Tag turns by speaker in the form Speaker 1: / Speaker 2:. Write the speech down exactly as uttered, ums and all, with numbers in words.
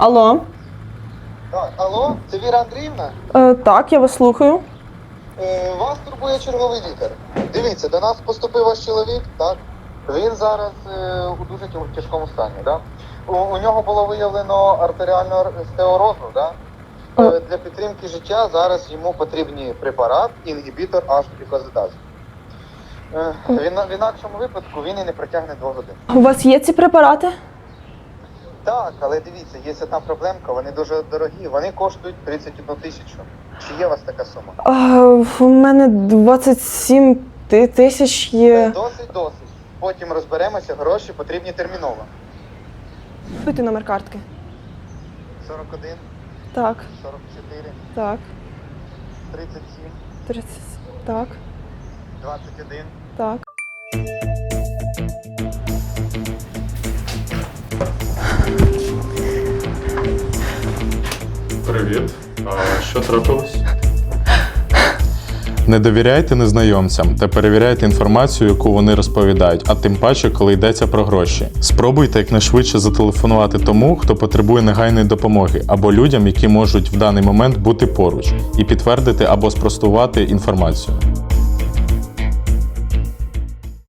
Speaker 1: Алло.
Speaker 2: Так, алло, це Віра Андріївна?
Speaker 1: Е, так, я вас слухаю.
Speaker 2: Е, вас турбує черговий лікар. Дивіться, до нас поступив ваш чоловік, так? Він зараз е, у дуже тяж- тяжкому стані, так? У, у нього було виявлено артеріальну ар- стеорозу, так? Е, для підтримки життя зараз йому потрібні препарат, інгібітор H-глюкозидазу. Е, він, в інакшому випадку він і не протягне двох годин.
Speaker 1: У вас є ці препарати?
Speaker 2: Так, але дивіться, є одна проблемка, вони дуже дорогі, вони коштують тридцять одну тисячу. Чи є у вас така сума?
Speaker 1: Е, у мене двадцять сім ти- тисяч є.
Speaker 2: Досить, досить. Потім розберемося, гроші потрібні терміново.
Speaker 1: Пити номер картки.
Speaker 2: сорок один,
Speaker 1: Так,
Speaker 2: сорок чотири,
Speaker 1: так,
Speaker 2: тридцять сім,
Speaker 1: тридцять. Так,
Speaker 2: двадцять один.
Speaker 1: так.
Speaker 3: Привіт. А що трапилось?
Speaker 4: Не довіряйте незнайомцям та перевіряйте інформацію, яку вони розповідають, а тим паче, коли йдеться про гроші. Спробуйте якнайшвидше зателефонувати тому, хто потребує негайної допомоги, або людям, які можуть в даний момент бути поруч, і підтвердити або спростувати інформацію.